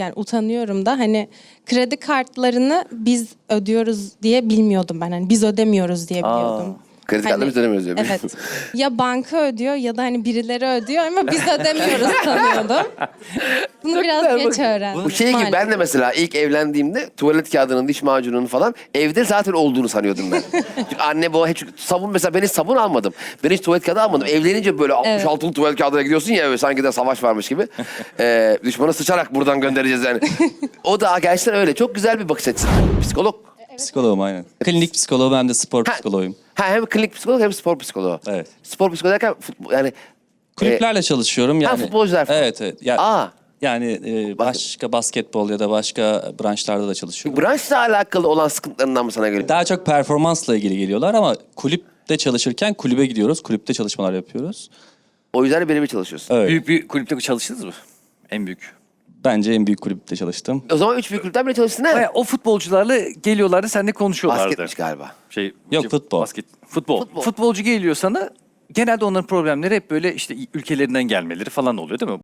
Yani utanıyorum da hani kredi kartlarını biz ödüyoruz diye bilmiyordum ben. Hani biz ödemiyoruz diye biliyordum. Kredi kartını Hani, biz ödemiyoruz diyor. Evet. Ya banka ödüyor ya da hani birileri ödüyor ama biz ödemiyoruz sanıyordum. Bunu biraz geç öğrendim. Bu şey gibi maalesef. ben de mesela ilk evlendiğimde tuvalet kağıdının, diş macununun falan evde zaten olduğunu sanıyordum ben. Çünkü anne baba hiç sabun mesela ben hiç sabun almadım. Ben hiç tuvalet kağıdı almadım. Evlenince böyle 66'lık tuvalet kağıdına gidiyorsun ya böyle sanki de savaş varmış gibi. Düşmanı sıçarak buradan göndereceğiz yani. O da gerçekten öyle. Çok güzel bir bakış açısı. Psikolog. Psikoloğum aynen. Klinik psikoloğum hem de spor Ha. psikoloğuyum. Ha, hem klinik psikolog hem spor psikoloğu. Evet. Spor psikoloğu derken futbol, yani Kulüplerle çalışıyorum yani. futbolcular falan. Evet evet. Yani, Aa. yani başka basketbol ya da başka branşlarda da çalışıyorum. branşla alakalı olan sıkıntılarından mı sana göre? Daha çok performansla ilgili geliyorlar ama kulüpte çalışırken kulübe gidiyoruz. Kulüpte çalışmalar yapıyoruz. O yüzden de birebir çalışıyorsun. Evet. Büyük bir kulüpte çalıştınız mı? En büyük. Bence en büyük kulüpte çalıştım. O zaman 3 büyük kulüpten bile çalıştın ha? O futbolcularla geliyorlardı, seninle konuşuyorlardı. Basketmiş galiba. Yok, futbol. Futbol. Futbolcu geliyor sana. Genelde onların problemleri hep böyle işte ülkelerinden gelmeleri falan oluyor değil mi?